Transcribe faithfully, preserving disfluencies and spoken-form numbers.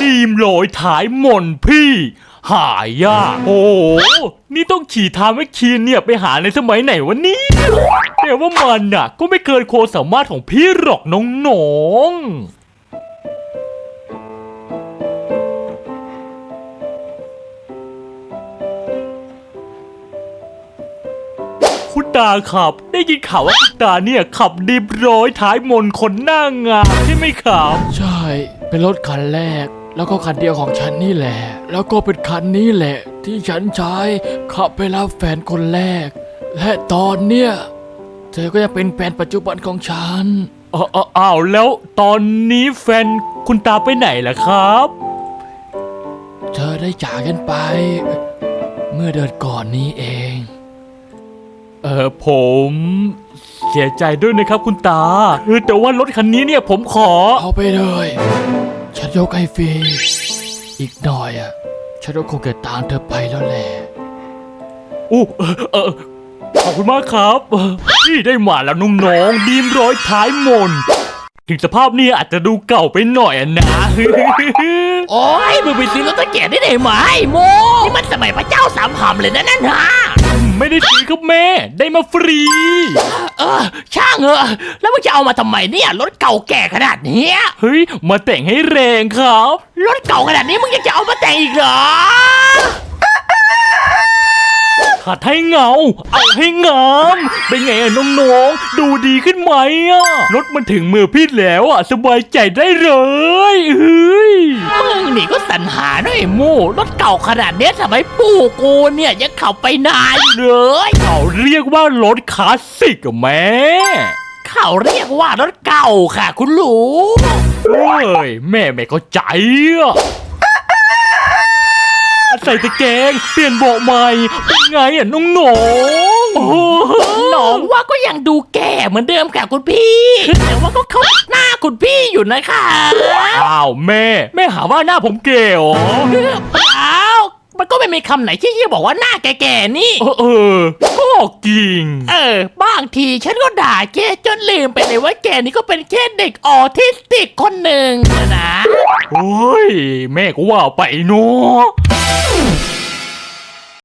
ดีมโรยท้ายมนพี่หายากโอ้นี่ต้องขี่ทามแมคคีนเนี่ยไปหาในสมัยไหนวะเนี่ยแต่ว่ามันน่ะก็ไม่เกินโคสามารถของพี่หรอกน้องๆคุณตาขับได้ยินข่าวว่าคุณตาเนี่ยขับดีมร้อยท้ายมนคนหน้างามใช่ไหมครับใช่เป็นรถคันแรกแล้วก็คันเดียวของฉันนี่แหละแล้วก็เป็นคันนี้แหละที่ฉันใช้ขับไปรับแฟนคนแรกและตอนเนี้ยเธอก็ยังเป็นแฟนปัจจุบันของฉันอ้าวอ้าวแล้วตอนนี้แฟนคุณตาไปไหนล่ะครับเธอได้จากกันไป เมื่อเดือนก่อนนี้เองเออผมเสียใจด้วยนะครับคุณตาเออแต่ว่ารถคันนี้เนี่ยผมขอเอาไปเลยฉันยกให้ฟรีอีกหน่อยอ่ะฉันก็คงจะตามเธอไปแล้วแหละอู้เออเออขอบคุณมากครับเออนี่ได้มาแล้วน้องๆดีมร้อยท้ายมนถึงสภาพเนี่ยอาจจะดูเก่าไปหน่อยอะนะโอ้ยมึงไปซื้อรถตะเกียบได้ไหนไหมโมนี่มันสมัยพระเจ้าสามหำเลยนะนั่นฮะไม่ได้ซื้อครับแม่ได้มาฟรีเออช่างเหอะแล้วมึงจะเอามาทำไมเนี่ยรถเก่าแก่ขนาดเนี้ยเฮ้ยมาแต่งให้แรงครับรถเก่าขนาดนี้มึงยังจะเอามาแต่งอีกเหรอขัดให้เงาเอาให้งามเป็นไงอะน้องๆดูดีขึ้นไหมอะรถมันถึงมือพี่แล้วอะสบายใจได้เลยเฮ้ยมึงนี่ก็สรรหาด้วยโม่รถเก่าขนาดเนี้ยทำไมปู่กูเนี่ยยังขับไปนานอยู่เลยเขาเรียกว่ารถคลาสสิกอะแม่เขาเรียกว่ารถเก่าค่ะคุณลุงเฮ้ยแม่ไม่เข้าใจอะใส่ตะแกรงเปลี่ยนเบาะใหม่เป็นไงอะน้องๆโอ้โหน้องว่าก็ยังดูแก่เหมือนเดิมค่ะคุณพี่ แต่ว่าก็เข้าหน้าคุณพี่อยู่นะคะอ้าวแม่แม่หาว่าหน้าผมเก๋เหรอเปล่ามันก็ไม่มีคำไหนที่จะบอกว่าหน้าแก่ๆนี่เออเออก็จริงเออบางทีฉันก็ด่าแกจนลืมไปเลยว่าแกนี่ก็เป็นแค่เด็กออทิสติกคนหนึ่งนะโอ้ยแม่ก็ว่าไปเนาะ